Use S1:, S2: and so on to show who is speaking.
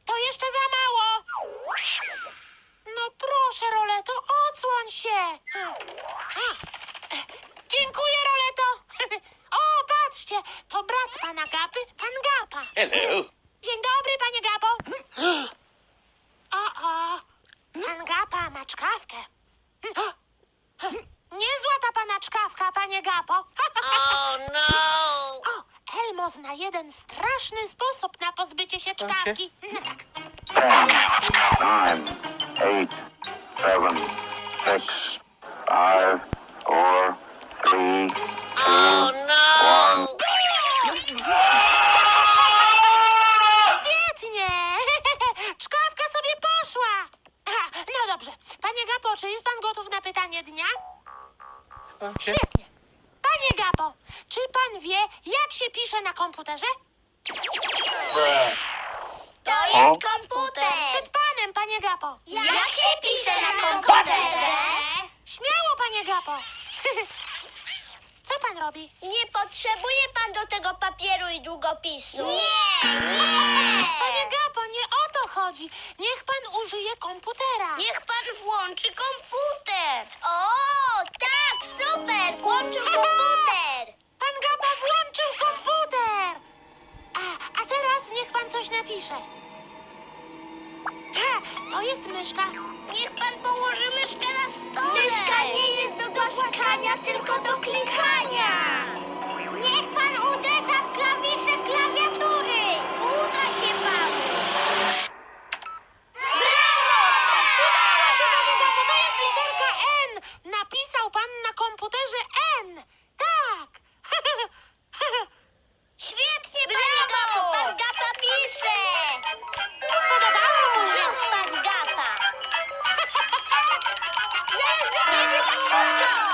S1: To jeszcze za mało. No proszę, Roleto, odsłoń się. Dziękuję, Roleto. O, patrzcie, to brat pana Gapy, pan Gapa.
S2: Hello.
S1: Dzień dobry, panie Gapo. O, pan Gapa ma czkawkę. Niezła ta pana czkawka, panie Gapo.
S3: Oh no!
S1: O, Elmo zna jeden straszny sposób na pozbycie się czkawki. No tak.
S4: 10, 9, 8, 7, 6, 5, 4, 3, 2,
S3: Oh no!
S1: Świetnie! Czkawka sobie poszła. No dobrze. Panie Gapo, czy jest pan gotów na pytanie dnia? Świetnie. Panie Gapo, czy pan wie, jak się pisze na komputerze?
S3: To jest komputer!
S1: Przed panem, panie Gapo.
S3: Jak się pisze na komputerze?
S1: Śmiało, panie Gapo. Co pan robi?
S3: Nie potrzebuje pan do tego papieru i długopisu. Nie!
S1: Panie Gapo, nie o to chodzi. Niech pan użyje komputera.
S3: Niech pan włączy komputer. O, tak, super! Włączył komputer.
S1: Pan Gapa włączył komputer. A teraz niech pan coś napisze. To jest myszka.
S3: Niech pan położy myszkę na stole. Myszka nie jest do głaskania, tylko do klikania. Niech pan uderza w klawisze klawiatury. Uda się panu.
S1: Proszę, panie Gapo, to jest literka N. Napisał pan na komputerze N. Tak.
S3: Świetnie, panie Gapo. Pan Gapa pisze.
S1: Spodobało mu się.
S3: Znów pan Gapa. Zaraz, nie wypatrz na to.